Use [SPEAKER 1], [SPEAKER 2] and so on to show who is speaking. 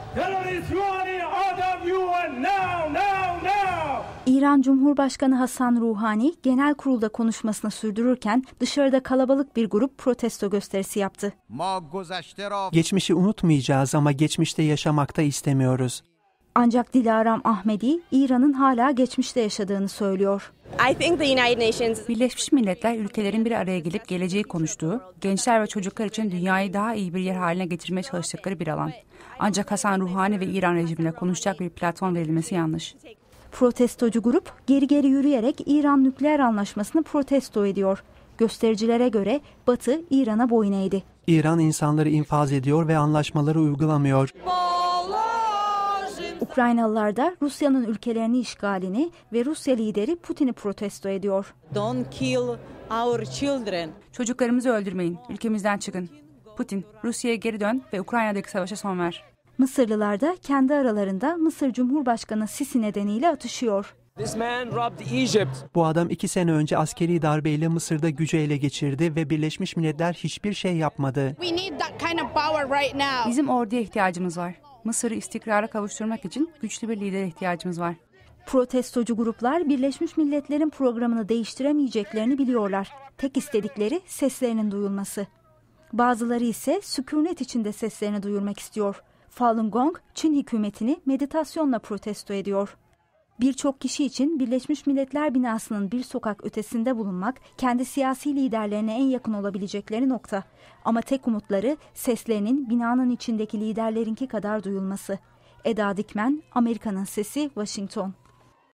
[SPEAKER 1] İran Cumhurbaşkanı Hasan Ruhani genel kurulda konuşmasını sürdürürken dışarıda kalabalık bir grup protesto gösterisi yaptı.
[SPEAKER 2] Geçmişi unutmayacağız ama geçmişte yaşamakta istemiyoruz.
[SPEAKER 1] Ancak Dilaram Ahmedi, İran'ın hala geçmişte yaşadığını söylüyor.
[SPEAKER 3] Birleşmiş Milletler ülkelerin bir araya gelip geleceği konuştuğu, gençler ve çocuklar için dünyayı daha iyi bir yer haline getirmeye çalıştıkları bir alan. Ancak Hasan Ruhani ve İran rejimine konuşacak bir platform verilmesi yanlış.
[SPEAKER 1] Protestocu grup geri yürüyerek İran nükleer anlaşmasını protesto ediyor. Göstericilere göre Batı İran'a boyun eğdi.
[SPEAKER 2] İran insanları infaz ediyor ve anlaşmaları uygulamıyor.
[SPEAKER 1] Ukraynalılar da Rusya'nın ülkelerini işgalini ve Rusya lideri Putin'i protesto ediyor.
[SPEAKER 4] Don't kill our children.
[SPEAKER 3] Çocuklarımızı öldürmeyin, ülkemizden çıkın. Putin, Rusya'ya geri dön ve Ukrayna'daki savaşa son ver.
[SPEAKER 1] Mısırlılar da kendi aralarında Mısır Cumhurbaşkanı Sisi nedeniyle atışıyor.
[SPEAKER 2] Bu adam 2 sene önce askeri darbeyle Mısır'da gücü ele geçirdi ve Birleşmiş Milletler hiçbir şey yapmadı.
[SPEAKER 3] Bizim orduya ihtiyacımız var. Mısır'ı istikrara kavuşturmak için güçlü bir lidere ihtiyacımız var.
[SPEAKER 1] Protestocu gruplar Birleşmiş Milletler'in programını değiştiremeyeceklerini biliyorlar. Tek istedikleri seslerinin duyulması. Bazıları ise sükunet içinde seslerini duyurmak istiyor. Falun Gong, Çin hükümetini meditasyonla protesto ediyor. Birçok kişi için Birleşmiş Milletler binasının bir sokak ötesinde bulunmak kendi siyasi liderlerine en yakın olabilecekleri nokta. Ama tek umutları seslerinin binanın içindeki liderlerinki kadar duyulması. Eda Dikmen, Amerika'nın Sesi, Washington.